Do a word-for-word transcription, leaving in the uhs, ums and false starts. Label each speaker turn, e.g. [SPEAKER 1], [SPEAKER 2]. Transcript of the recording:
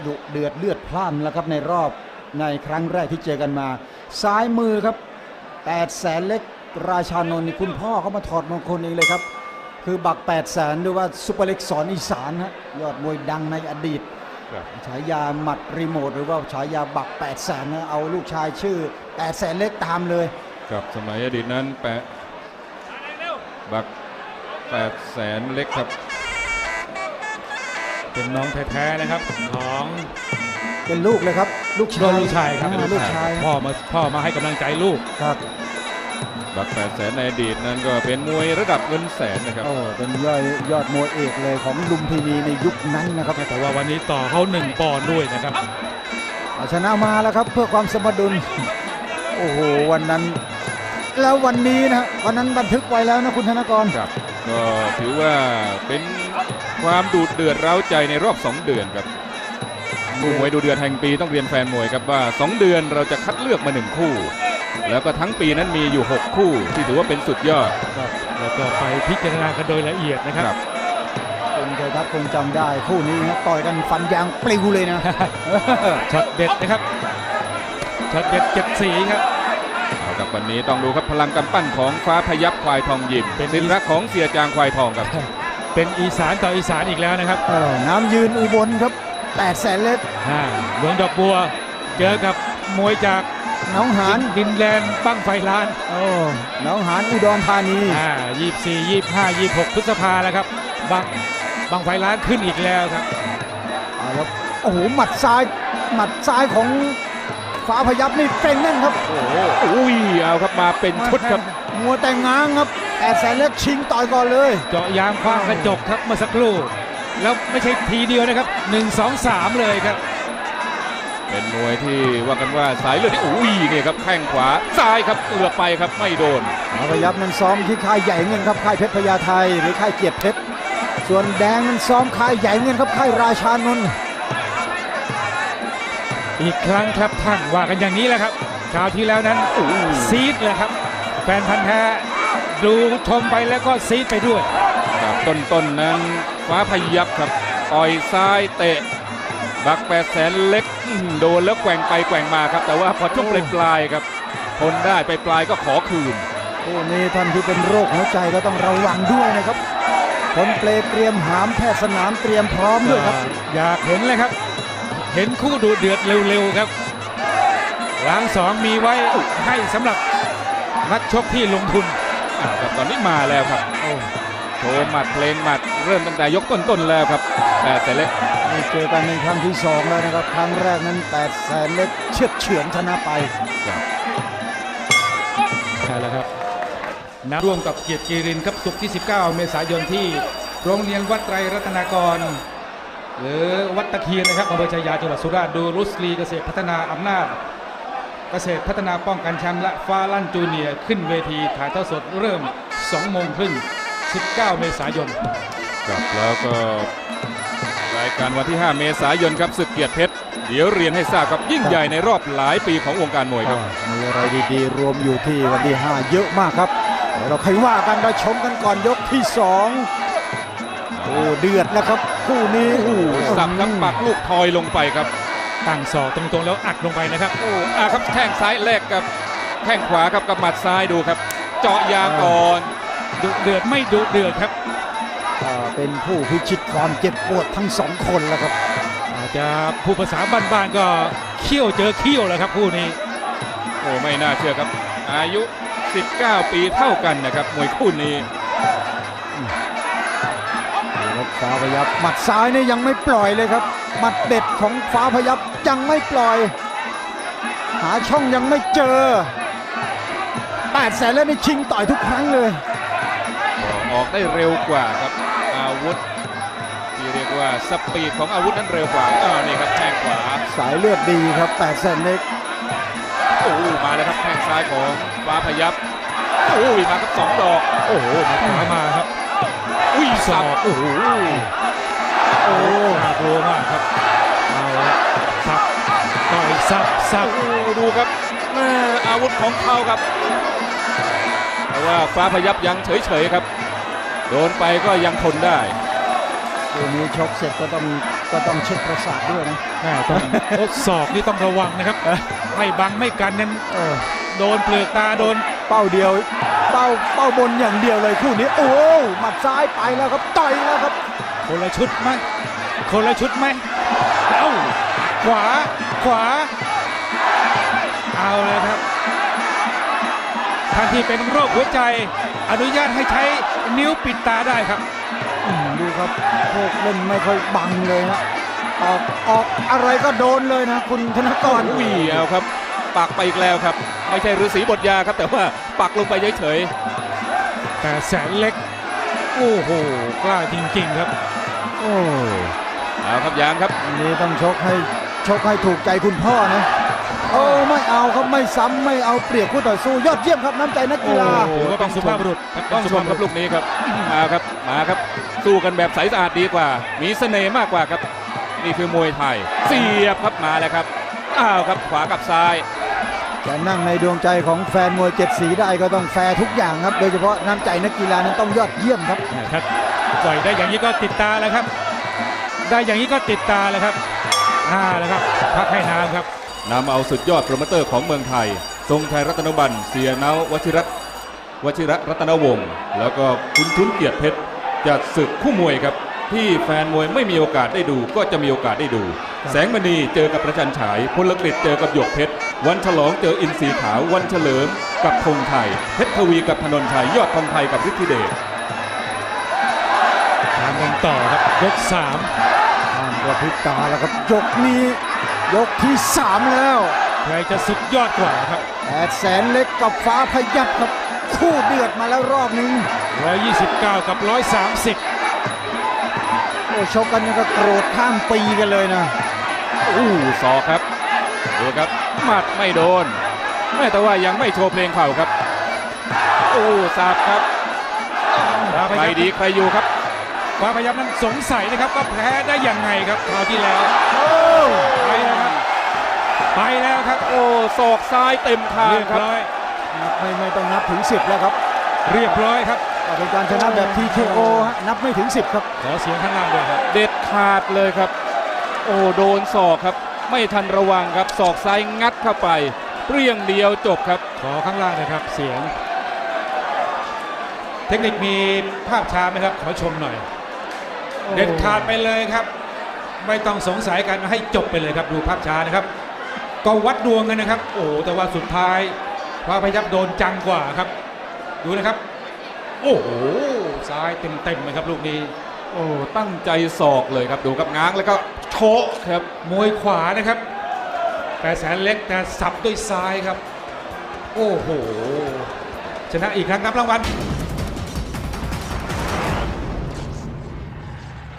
[SPEAKER 1] ดุเดือดเลือดพล่านแล้วครับในรอบในครั้งแรกที่เจอกันมาซ้ายมือครับแปดแสนเล็กราชานนท์นี่คุณพ่อเขามาถอดมงคลเองเลยครับคือบักแปดแสนหรือว่าซุปเปอร์เล็กสอนอีสานฮะยอดมวยดังในอดีตฉายาหมัดรีโมทหรือว่าฉายาบักแปดแสนนะเอาลูกชายชื่อแปดแสนเล็กตามเลย
[SPEAKER 2] ครับสมัยอดีตนั้นแปะบักแปดแสนเล็กครับ
[SPEAKER 3] เป็นน้องแท้ๆนะครับของ
[SPEAKER 1] เป็นลูกเลยครับลูกชาย
[SPEAKER 3] ลูกชายครับ
[SPEAKER 1] ลูกชาย
[SPEAKER 3] พ่อมาพ่อมาให้กำลังใจลูก
[SPEAKER 1] ครับ
[SPEAKER 2] บักแปดแสนในอดีตนั้นก็เป็นมวยระดับเงินแสนนะครับ
[SPEAKER 1] โอ้เป็นยอดยอดมวยเอกเลยของลุมพินีในยุคนั้นนะครับ
[SPEAKER 3] แต่ว่าวันนี้ต่อเขาหนึ่งปอนด์ด้วยนะครับ
[SPEAKER 1] ชนะมาแล้วครับเพื่อความสมดุลโอ้โหวันนั้นแล้ววันนี้นะวันนั้นบันทึกไว้แล้วนะคุณธนกร
[SPEAKER 2] ครับก็ถือว่าเป็นความดูดเดือดเร้าใจในรอบสองเดือนครับคู่มวยดูเดือดแห่งปีต้องเรียนแฟนมวยครับว่าสองเดือนเราจะคัดเลือกมาหนึ่งคู่แล้วก็ทั้งปีนั้นมีอยู่หกคู่ที่ถือว่าเป็นสุดยอด
[SPEAKER 3] แล้วก็ไปพิจารณากันโดยละเอียดนะครับ
[SPEAKER 1] คุณชัยทัศน์คงจำได้คู่นี้นะต่อยกันฟันยางปลิวเลยนะ
[SPEAKER 3] ช็อตเด็ดนะครับช็อตเด็ดเจ็ดสีครับ
[SPEAKER 2] เอาครับวันนี้ต้องดูครับพลังกำปั้นของฟ้าพยับควายทองยิมเป็นศิลป์รักของเสียจางควายทองครับ
[SPEAKER 3] เป็นอีสานต่ออีสานอีกแล้วนะครับ
[SPEAKER 1] น้ำยืนอุบลครับแปดแสนเล็ก
[SPEAKER 3] หลวงดอกบัวเจอกับมวยจาก
[SPEAKER 1] หนองหาน
[SPEAKER 3] ดินแดนบั้งไฟล้าน
[SPEAKER 1] โอ้หนองหานอุดรธานี
[SPEAKER 3] อ่ายี่สิบสี่ยี่สิบห้ายี่สิบหกพฤษภาแล้วครับบั้งบั้งไฟล้านขึ้นอีกแล้วครับ
[SPEAKER 1] เอาแล้วโอ้โหหมัดซ้ายหมัดซ้ายของฟ้าพยับนี่เก่งแน่นครับ
[SPEAKER 2] โอ้โหอุ้ยเอาครับมาเป็นชุดครับ
[SPEAKER 1] มัวแต่งง้างครับแปดแสนเล็กชิงต่อยก่อนเลย
[SPEAKER 3] เจาะยางคว้างกระจกครับเมื่อสักครู่แล้วไม่ใช่ทีเดียวนะครับหนึ่งสองสามเลยครับ
[SPEAKER 2] เป็นมวยที่ว่ากันว่าสายเลือดที่อุ้ยเนี่ยครับแข้งขวาซ้ายครับเอือไปครับไม่โดน
[SPEAKER 1] ฟ้าพยับนั้นซ้อมที่ค่ายใหญ่เงินครับค่ายเพชรพญาไทหรือค่ายเกียรติเพชรส่วนแดงนั้นซ้อมค่ายใหญ่เงินครับค่ายราชานนท์
[SPEAKER 3] อีกครั้งครับท่านว่ากันอย่างนี้แหละครับคราวที่แล้วนั้นซีดเลยครับแฟนพันธ์แท้ดูชมไปแล้วก็ซีดไปด้วย
[SPEAKER 2] ครับต้นๆ น, นั้นฟ้าพยับครับต่อยซ้ายเตะบักแปดแสนเล็กโดนแล้วแกว่งไปแกว่งมาครับแต่ว่าพอช่วงปลายๆครับทนได้ไปปลายก็ขอคืน
[SPEAKER 1] โอ้นี่ท่านที่เป็นโรคหัวใจก็ต้องระวังด้วยนะครับคนเปลเตรียมหามแพทย์สนามเตรียมพร้อมด้วยครับ
[SPEAKER 3] อยากเห็นเลยครับเห็นคู่ดูเดือดเร็วๆครับล้างสองมีไว้ให้สำหรับนักชกที่ลงทุน
[SPEAKER 2] ครับตอนนี้มาแล้วครับโชว์หมัดเพลงหมัดเริ่มตั้งแต่ยกต้นๆแล้วครับแปดแสนเล็ก
[SPEAKER 1] เจอกันในครั้งที่สองแล้วนะครับครั้งแรกนั้นแปดแสนเล็กเชือดเฉือนชนะไป
[SPEAKER 3] ใช่แล้วครับนับร่วมกับเกียรติกีรินครับศุกร์ที่สิบเก้าเมษายนที่โรงเรียนวัดไตรรัตนากรหรือวัดตะเคียนนะครับอำเภอชัยยาจังหวัดสุราษฎร์ดูรุสลีเกษตรพัฒนาอำนาจเกษตรพัฒนาป้องกันแชมป์และฟ้าลั่นจูเนียร์ขึ้นเวทีถ่ายทอดสดเริ่มสองโมงครึ่งสิบเก้าเมษายน
[SPEAKER 2] ครับแล้วก็รายการวันที่ห้าเมษายนครับศึกเกียรติเพชรเดี๋ยวเรียนให้ทราบครับยิ่งใหญ่ในรอบหลายปีของวงการมวยครับ
[SPEAKER 1] มีอะไรดีๆรวมอยู่ที่วันที่ห้าเยอะมากครับเดี๋ยวเราค่อยว่ากันเราชมกันก่อนยกที่สองโอ้เดือดแล้วครับคู่นี้โอ้
[SPEAKER 2] สับครับปักลูกทอยลงไปครับ
[SPEAKER 3] ตั้งศอกตรงๆแล้วอัดลงไปนะครับ
[SPEAKER 2] โอ้อาครับแข้งซ้ายแลกกับแข้งขวาครับกับหมัดซ้ายดูครับเจาะยางก่อน
[SPEAKER 3] ดุเดือดไม่ดุเดือดครับ
[SPEAKER 1] เป็นผู้พิชิตความเจ็บปวดทั้งสองคนแล้วครับ
[SPEAKER 3] อาจจะผู้ภาษาบ้านๆก็เขี้ยวเจอเขี้ยวแล้วครับคู่นี้
[SPEAKER 2] โอ้ไม่น่าเชื่อครับอายุสิบเก้าปีเท่ากันนะครับมวยคู่นี้
[SPEAKER 1] ฟ้าพยับหมัดซ้ายนี่ยังไม่ปล่อยเลยครับหมัดเด็ดของฟ้าพยับยังไม่ปล่อยหาช่องยังไม่เจอแปดแสนแล้วนี่ชิงต่อยทุกครั้งเลย
[SPEAKER 2] ออกได้เร็วกว่าครับอาวุธที่เรียกว่าสปีดของอาวุธนั้นเร็วกว่าอ่านี่ครับแข้งขวา
[SPEAKER 1] สายเลือดดีครับแปดแสนเล็ก
[SPEAKER 2] โอ้มาแล้วครับแข้งซ้ายของฟ้าพยับโอ้ยมาครับสองดอก
[SPEAKER 3] โอ้โหมาขวามาครับ
[SPEAKER 2] อุ้ยสับโอ้โห
[SPEAKER 3] โอ้น่ากลัวมากครับเอาสับต่อยสับสับ
[SPEAKER 2] ดูครับอาวุธของเขาครับแต่ว่าฟ้าพยับยังเฉยๆครับโดนไปก็ยังทนได้
[SPEAKER 1] ตัวนี้ชกเสร็จก็ต้องก็ต้องเช็คประสาทด้วยนะ
[SPEAKER 3] แม่ต้องโอ้ศอกนี่ต้องระวังนะครับ ไม่บังไม่กันนั้น
[SPEAKER 1] เออ
[SPEAKER 3] โดนเปลือกตาโดน
[SPEAKER 1] เป้าเดียวเป้าเป้าบนอย่างเดียวเลยคู่นี้โอ้หมัดซ้ายไปแล้วครับต่อยแล้วครับ
[SPEAKER 3] คนละชุดไหมคนละชุดไหมเอ้าขวาขวาเอาเลยครับท่านที่เป็นโรคหัวใจอนุญาตให้ใช้นิ้วปิดตาได้ครับ
[SPEAKER 1] อืมดูครับพวกเล่นไม่ค่อยบังเลยนะออกออกอะไรก็โดนเลยนะคุณธนกร
[SPEAKER 2] อุ้ยเอาครับปักไปอีกแล้วครับไม่ใช่ฤาษีบทยาครับแต่ว่าปักลงไปเฉย
[SPEAKER 3] แต่แสนเล็กโอ้โหกล้าจริงๆครับ
[SPEAKER 1] โอ้
[SPEAKER 2] ๆเอาครับยางครับ
[SPEAKER 1] อันนี้ต้องชกให้ชกให้ถูกใจคุณพ่อนะโอ้ไม่เอาครับไม่ซ้ำไม่เอาเปรียบคู่ต่อสู้ยอดเยี่ยมครับน้ำใจนักกีฬา
[SPEAKER 2] โอ้
[SPEAKER 3] ถือว่าเป็นสุภาพบุรุษ
[SPEAKER 2] ต้องชมครับลูกนี้ครับมาครับมาครับสู้กันแบบใสสะอาดดีกว่า มีเสน่ห์มากกว่าครับนี่คือมวยไทยเสียบครับมาแล้วครับอ้าวครับขวากับซ้าย
[SPEAKER 1] จะนั่งในดวงใจของแฟนมวยเจ็ดสีได้ก็ต้องแฟร์ทุกอย่างครับโดยเฉพาะน้ำใจนักกีฬานั้นต้องยอดเยี่ยมครับ
[SPEAKER 3] ครับปล่อยได้อย่างนี้ก็ติดตาแล้วครับ ได้อย่างนี้ก็ติดตาแล้วครับอ่าแล้วครับพักให้น้ำครับ
[SPEAKER 2] นำเอาสุดยอดโปรโมเตอร์ของเมืองไทย ทรงชัยรัตนบัณฑ์เสียเนาวชิระวชิระรัตนวงศ์แล้วก็คุณทุนเกียรติเพชรจัดศึกคู่มวยครับที่แฟนมวยไม่มีโอกาสได้ดูก็จะมีโอกาสได้ดู แสงมณีเจอกับประจันฉายพลกฤษเจอกับหยกเพชรวันฉลองเจออินทรีขาววันเฉลิมกับธงไทยเพชรทวีกับธนนชัยยอดทองไทยกับฤทธิเดช
[SPEAKER 3] ทำกันต่อครับยกสาม
[SPEAKER 1] ห้ามกระพริบตาแล้วครับยกนี้ยกที่สามแล้ว
[SPEAKER 3] ใครจะสุดยอดกว่าครับ
[SPEAKER 1] แปดแสนเล็กกับฟ้าพยับครับคู่เดือดมาแล้วรอบนึง
[SPEAKER 3] หนึ่งร้อยยี่สิบเก้า กับ หนึ่งร้อยสามสิบ
[SPEAKER 1] โอ้ชกกันนี่ก็โกรธข้ามปีกันเลยนะ
[SPEAKER 2] อู้ศอกครับดูครับหมัดไม่โดนแม่แต่ว่ายังไม่โชว์เพลงเข่าครับโอ้สับครับใครดีใครอยู่ครับ
[SPEAKER 3] ฟ้าพยับนั้นสงสัยนะครับว่าแพ้ได้ยังไงครับคราวที่แล้วไปแล้วครับไปแล้วครับ
[SPEAKER 2] โอ้ศอกซ้ายเต็มทาง
[SPEAKER 3] เรียบ
[SPEAKER 2] ครับ
[SPEAKER 3] ร้อย
[SPEAKER 1] ไม่ไม่ต้องนับถึงสิบแล้วครับ
[SPEAKER 3] เรียบร้อยครับ
[SPEAKER 1] ก็เป็นการชนะแบบ ที เค โอ ฮะนับไม่ถึงสิบครับ
[SPEAKER 3] ขอเสียงข้างล่างด้วยครับ
[SPEAKER 2] เด็ดขาดเลยครับ โอ้โดนศอกครับ ไม่ทันระวังครับศอกซ้ายงัดเข้าไปเปรี้ยงเดียวจบครับ
[SPEAKER 3] ขอข้างล่างนะครับเสียง เทคนิคมีภาพช้าไหมครับขอชมหน่อย เด็ดขาดไปเลยครับ ไม่ต้องสงสัยกันให้จบไปเลยครับดูภาพช้านะครับ ก็วัดดวงกันนะครับ โอ้แต่ว่าสุดท้ายฟ้าพยับโดนจังกว่าครับ ดูนะครับ โอ้โหซ้ายเต็มๆเลยครับลูกนี้
[SPEAKER 2] โอ้ตั้งใจศอกเลยครับดูครับง้างแล้วก็โชกครับ
[SPEAKER 3] มวยขวานะครับ แต่แสนเล็กแต่สับด้วยซ้ายครับ โอ้โห ชนะอีกครั้งครับรางวัล